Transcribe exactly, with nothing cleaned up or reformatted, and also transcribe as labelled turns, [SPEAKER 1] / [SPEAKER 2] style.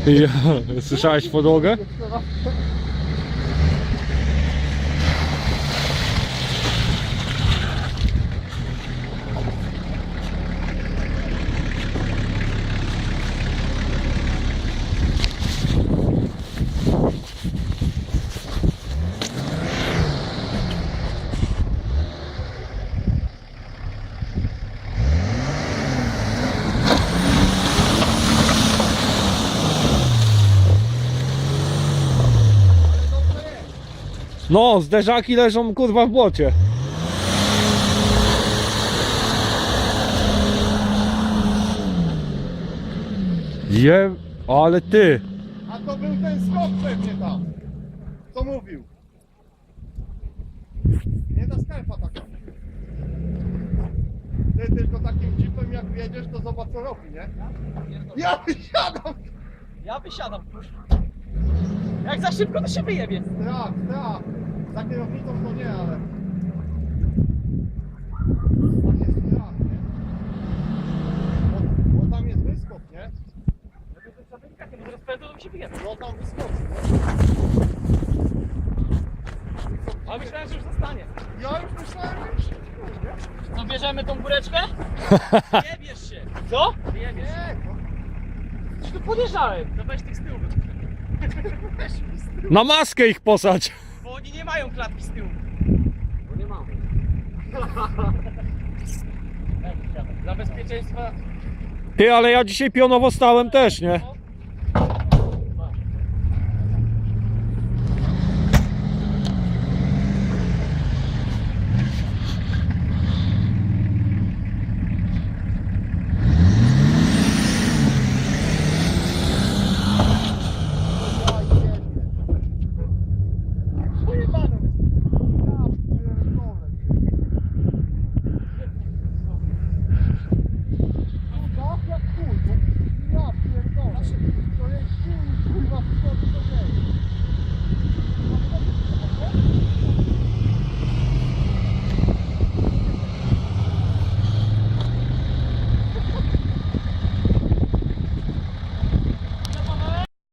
[SPEAKER 1] Ja, słyszałeś podłogę? No, zderzaki leżą kurwa w błocie. Je, ale ty.
[SPEAKER 2] A to był ten skok pewnie tam, co mówił. Nie ta skarpa taka. Ty tylko takim jeepem jak wjedziesz, to zobacz co robi, nie? Ja wysiadam!
[SPEAKER 3] Ja wysiadam, kurwa. Jak za szybko to się wyjebie.
[SPEAKER 2] Strach, strach. Za kierownicą to nie, ale... Tam jest strach, nie? Bo, bo tam jest wyskok, nie?
[SPEAKER 3] Może rozpędzą, to mi się wyjebie.
[SPEAKER 2] No tam wyskoczy,
[SPEAKER 3] A myślałem, że już zostanie.
[SPEAKER 2] nie? Ja już myślałem, że już...
[SPEAKER 3] Co, bierzemy tą góreczkę? Wyjebiesz się. Co? Wyjebiesz się.
[SPEAKER 2] Nie, no.
[SPEAKER 3] Czy tu podjeżdżałem? No weź tych z tyłu.
[SPEAKER 2] Weź mi z tyłu.
[SPEAKER 1] Na maskę ich posadź.
[SPEAKER 3] Bo oni nie mają klatki z tyłu. Bo nie mamy. Dla bezpieczeństwa.
[SPEAKER 1] Ty, ale ja dzisiaj pionowo stałem też, nie?